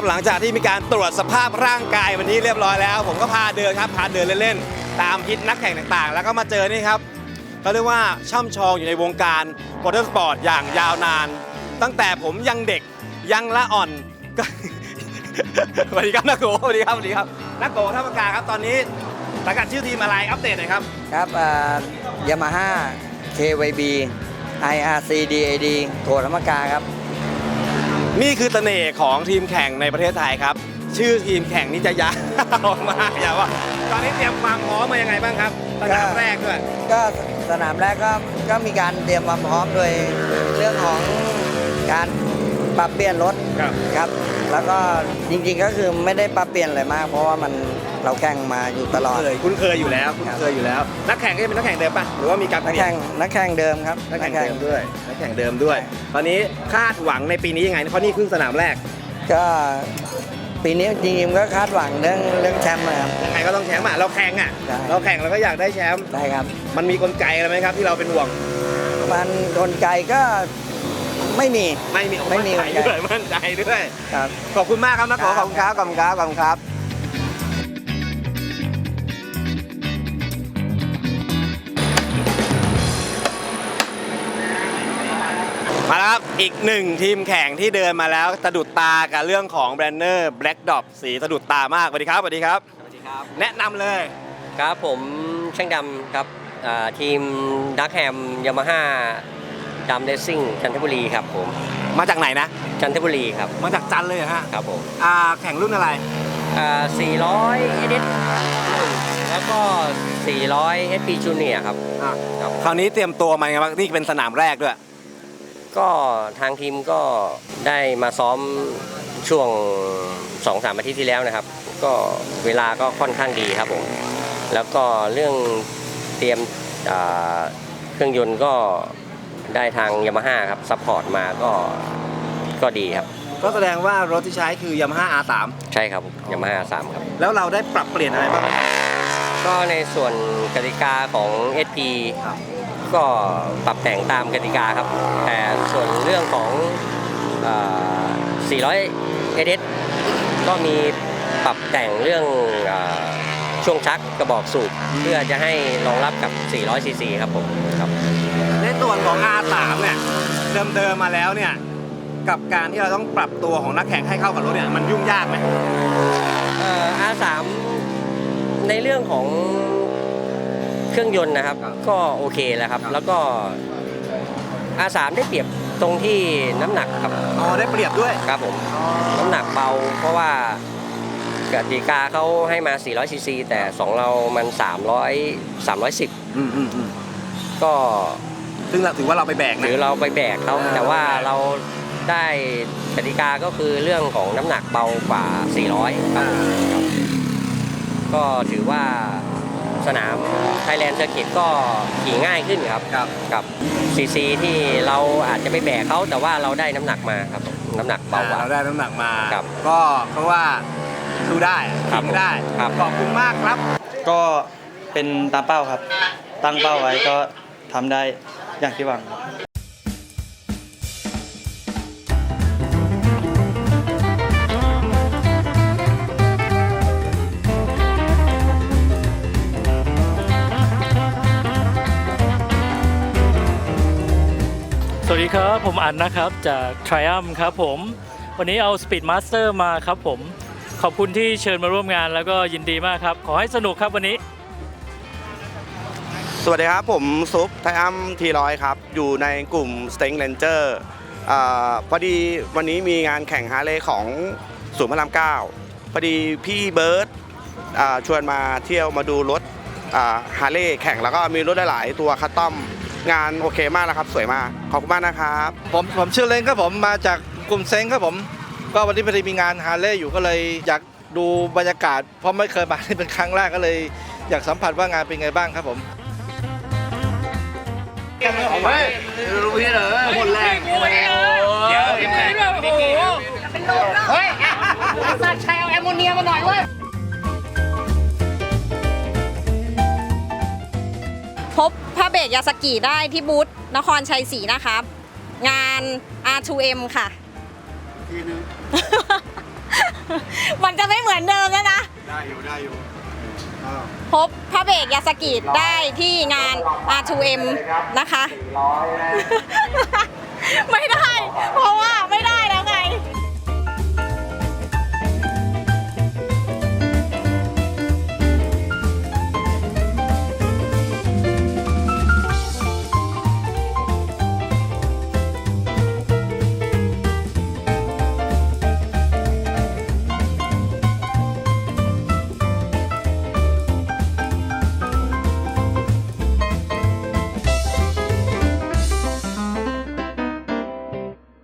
หลังจากที่มีการตรวจสภาพร่างกายวันนี้เรียบร้อยแล้วผมก็พาเดินครับพาเดินเล่นๆตามฮิตนักแข่งต่างๆแล้วก็มาเจอนี่ครับเขาเรียกว่าช่ำชองอยู่ในวงการมอเตอร์สปอร์ตอย่างยาวนานตั้งแต่ผมยังเด็กยังละอ่อนก็ สวัสดีครับนักโกสวัสดีครับสวัสดีครับนักโกท่าปากกาครับตอนนี้สังกัดชื่อทีมอะไรอัปเดตหน่อยครับครับยามาฮ่า KYB IRC DAD โถธรรมกาครับนี่คือเสน่ห์ของทีมแข่งในประเทศไทยครับชื่อทีมแข่งนี่จะยาวมากอย่าว่าตอนนี้เตรียมความพร้อมมายังไงบ้างครับสนามแรกด้วยก็สนามแรกก็มีการเตรียมความพร้อมโดยเรื่องของการปรับเปลี่ยนรถครับแล้วก็จริงๆก็คือไม่ได้ปรับเปลี่ยนอะไรมากเพราะว่าเราแข่งมาอยู่ตลอดคุ้นเคยอยู่แล้วนักแข่งก็จะเป็นนักแข่งเดิมป่ะหรือว่ามีการนักแข่งเดิมครับนักแข่งเดิมด้วยตอนนี้คาดหวังในปีนี้ยังไงเพราะนี่ครึ่งสนามแรกก็ปีนี้จริงๆก็คาดหวังเรื่องแชมป์นะครับยังไงก็ต้องแชมป์เราแข่งเราก็อยากได้แชมป์ได้ครับมันมีกลไกอะไรไหมครับที่เราเป็นห่วงมันกลไกก็ไม่มีมั่นใจด้วยครับขอบคุณมากครับนักขอขอบคุณครับมาแล้วครับอีกหนึ่งทีมแข่งที่เดินมาแล้วสะดุดตากับเรื่องของแบรนเนอร์แบล็กดอปสีสะดุดตามากสวัสดีครับแนะนำเลยครับผมช่างดำครับทีมดักแฮมยามาฮ่าดำเรซซิ่งจันทบุรีครับผมมาจากไหนนะจันทบุรีครับมาจากจันเลยฮะครับผมแข่งรุ่นอะไร 400 SD แล้วก็400 SP Junior ครับคราวนี้เตรียมตัวมาไงบ้างนี่เป็นสนามแรกด้วยก็ทางทีมก็ได้มาซ้อมช่วง 2-3 อาทิตย์ที่แล้วนะครับก็เวลาก็ค่อนข้างดีครับผมแล้วก็เรื่องเตรียมเครื่องยนต์ก็ได้ทางยามาฮ่าครับซัพพอร์ตมาก็ดีครับก็แสดงว่ารถที่ใช้คือยามาฮ่า R3 ใช่ครับยามาฮ่า R3 ครับแล้วเราได้ปรับเปลี่ยนอะไรบ้างก็ในส่วนกติกาของ SP ก็ปรับแต่งตามกติกาครับแต่ส่วนเรื่องของ400 SS ก็มีปรับแต่งเรื่องช่วงชักกระบอกสูบเพื่อจะให้รองรับกับ400 cc ครับผมครับในส่วนของ R3 เนี่ยเดิมมาแล้วเนี่ยกับการที่เราต้องปรับตัวของนักแข่งให้เข้ากับรถเนี่ยมันยุ่งยากไหม R3 ในเรื่องของเครื่องยนต์นะครับก็โอเคแล้วครับแล้วก็ R3 ได้เปรียบตรงที่น้ำหนักครับได้เปรียบด้วยครับผมน้ำหนักเบาเพราะว่ากติกาเขาให้มา400 cc แต่ของเรามัน310ก็ซึ่งถือว่าเราไปแบกนะหรือเราไปแบกเขาแต่ว่าเราได้กติกาก็คือเรื่องของน้ำหนักเบากว่า400ครับก็ถือว่าสนาม Thailand Circuit ก็ขี่ง่ายขึ้นครับกับซีซีที่เราอาจจะไปแบกเขาแต่ว่าเราได้น้ำหนักมาครับน้ำหนักเบากว่าเราได้น้ำหนักมาก็เพราะว่าดูได้ทิ้งได้ขอบคุณมากครับก็เป็นตามเป้าครับตั้งเป้าไว้ก็ทำได้อย่างที่หวังสวัสดีครับผมอันนะครับจาก Triumph ครับผมวันนี้เอา Speed Master มาครับผมขอบคุณที่เชิญมาร่วมงานแล้วก็ยินดีมากครับขอให้สนุกครับวันนี้สวัสดีครับผมซุปTriumph T100ครับอยู่ในกลุ่ม Strength Ranger พอดีวันนี้มีงานแข่งฮาร์เลย์ของศูนย์พระราม 9พอดีพี่เบิร์ตชวนมาเที่ยวมาดูรถฮาร์เลย์แข่งแล้วก็มีรถหลายๆตัวคัสตอมงานโอเคมากนะครับสวยมากขอบคุณมากนะครับผมชื่อเล้งครับผมมาจากกลุ่มเซ้งครับผมก็วันนี้พอดีมีงานฮาร์เลย์อยู่ก็เลยอยากดูบรรยากาศเพราะไม่เคยมาเป็นครั้งแรกก็เลยอยากสัมผัสว่างานเป็นไงบ้างครับผมเฮ้ยรู้พี่เหรอคนแรกเดี๋ยวเฮ้ยสัตว์ชายเอาแอมโมเนียมาหน่อยเว้ยพบผ้าเบรกยาสกิได้ที่บูธนครชัยศรีนะครับงาน R2M ค่ะมันจะไม่เหมือนเดิมแล้วนะได้อยู่พบพระเบรกยาสกิได้ที่งาน R2M นะคะ